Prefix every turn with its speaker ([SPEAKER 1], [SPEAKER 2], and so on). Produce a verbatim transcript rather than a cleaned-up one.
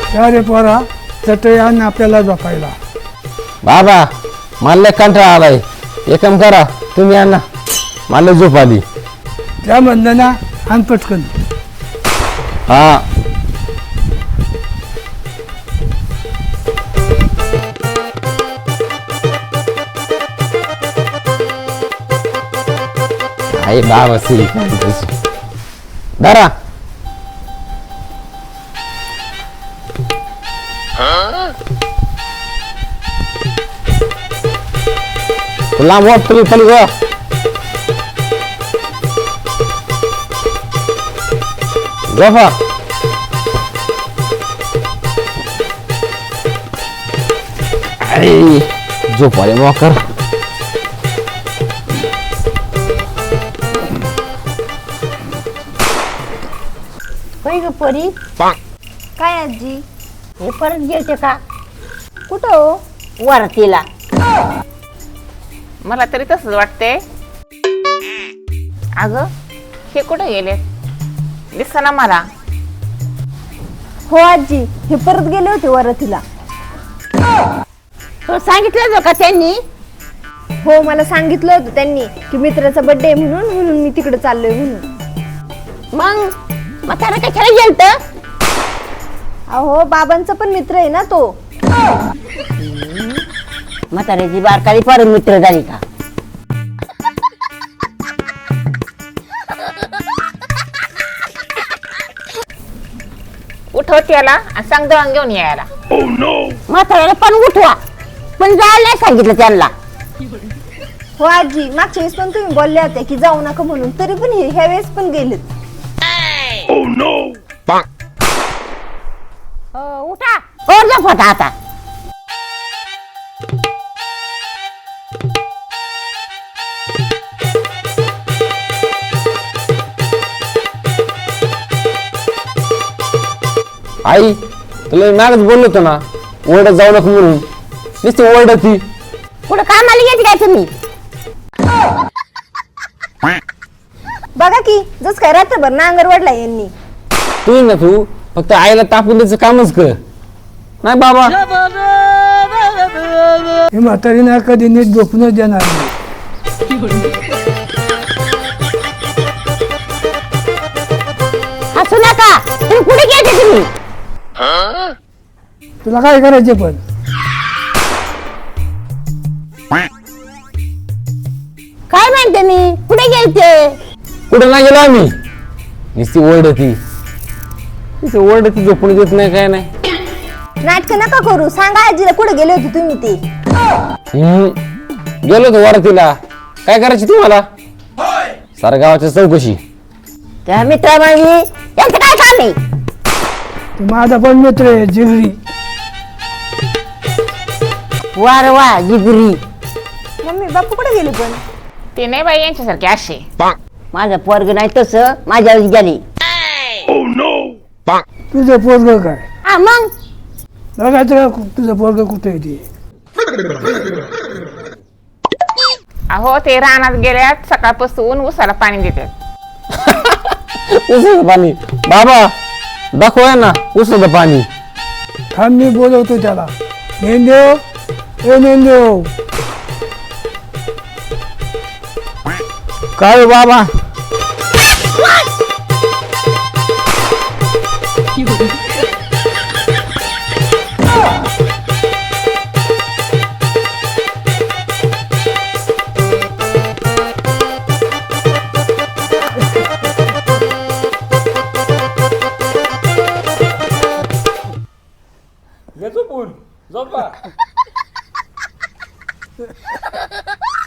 [SPEAKER 1] या रे पोरा चटई आण आपल्याला झोपायला.
[SPEAKER 2] बाबा मला लय कंटाळा आलाय. एक काम करा तुम्ही आणा मला झोप आली.
[SPEAKER 1] त्या म्हणलं ना आण पटकन.
[SPEAKER 2] हा आई बाबा सी दारा लांब वाट तुम्ही पण ग झोपा. आई झोप आले मोकर.
[SPEAKER 3] होय ग परी.
[SPEAKER 4] काय आजी?
[SPEAKER 3] हे परत गेलते का
[SPEAKER 4] कुठं हो?
[SPEAKER 3] वरतीला?
[SPEAKER 5] मला तरी तसंच वाटते. अगं हे कुठे गेले दिसना मला.
[SPEAKER 4] हो आजी, हे परत गेले होते वरतीला.
[SPEAKER 3] तो सांगितलं जो का त्यांनी?
[SPEAKER 4] हो, मला सांगितलं होतं त्यांनी की मित्राचा बर्थडे म्हणून म्हणून मी तिकडे चाललोय म्हणून.
[SPEAKER 3] मग म्हातारा कशाला गेलत?
[SPEAKER 4] अहो, बाबांचा पण मित्र आहे ना तो.
[SPEAKER 3] म्हाताऱ्याची बारकाली परत मित्र झाली का?
[SPEAKER 5] उठव त्याला आणि सांग दळण घेऊन यायला.
[SPEAKER 3] म्हाताऱ्याला पण उठवा, पण जायला नाही सांगितलं त्यांना.
[SPEAKER 4] हो आजी, मागच्या वेळेस पण तुम्ही बोलल्या होत्या की जाऊ नका म्हणून, तरी पण हे ह्या वेळेस पण गेलेत.
[SPEAKER 3] हो, उठा और झोपा आता.
[SPEAKER 2] आई तुला मागच बोललो होतो ना ओरडत जाऊ नको म्हणून. नुसती ओरडत ती.
[SPEAKER 3] पुढे कामाला गेली काय तुम्ही?
[SPEAKER 4] बघा की जस काय रात्रभर नांगर वडला यांनी.
[SPEAKER 2] तू ना तू फक्त आईला तापून द्यायचं कामच कर. नाही बाबा
[SPEAKER 1] ही म्हातारी ना कधी नीट झोपूनच देणार नाही.
[SPEAKER 3] हसू नका. तुम्ही कुठे गेले तुम्ही?
[SPEAKER 1] तुला काय करायचे पण?
[SPEAKER 3] काय म्हणते मी? कुठे गेलते?
[SPEAKER 2] कुठं नाही गेलो आम्ही. नुसती ओरडती नुसती ओरडती झोपून देत नाही काय नाही.
[SPEAKER 4] नाटक नका करू, सांगा आजीला कुठे गेले होते तुम्ही ते.
[SPEAKER 2] हम्म. गेलो होतो वरातीला. काय करायची तुम्हाला? साऱ्या गावाच्या चौकशी.
[SPEAKER 3] त्या मित्रा माझी यांचं काय काम आहे?
[SPEAKER 1] तो माझा पण मित्र आहे जिगरी.
[SPEAKER 3] वार वा जिगरी.
[SPEAKER 4] मम्मी बापू कुठे गेले पण?
[SPEAKER 5] ते नाही बाई यांच्यासारखे असे.
[SPEAKER 3] माझं पोरग नाही तसं माझ्यावर गेली.
[SPEAKER 1] तुझं पोरग काय?
[SPEAKER 3] हा मग
[SPEAKER 1] बघायचं का तुझं पोरग कुठे येते?
[SPEAKER 5] अहो ते रानात गेल्यात सकाळपासून उसाला पाणी देतात.
[SPEAKER 2] उसाचं पाणी. बाबा दाखवा ना उसाचं पाणी.
[SPEAKER 1] थांब मी बोलवतो त्याला. नेंदेव ए नेंदेव.
[SPEAKER 2] काय बाबा?
[SPEAKER 1] झोपून झोपा.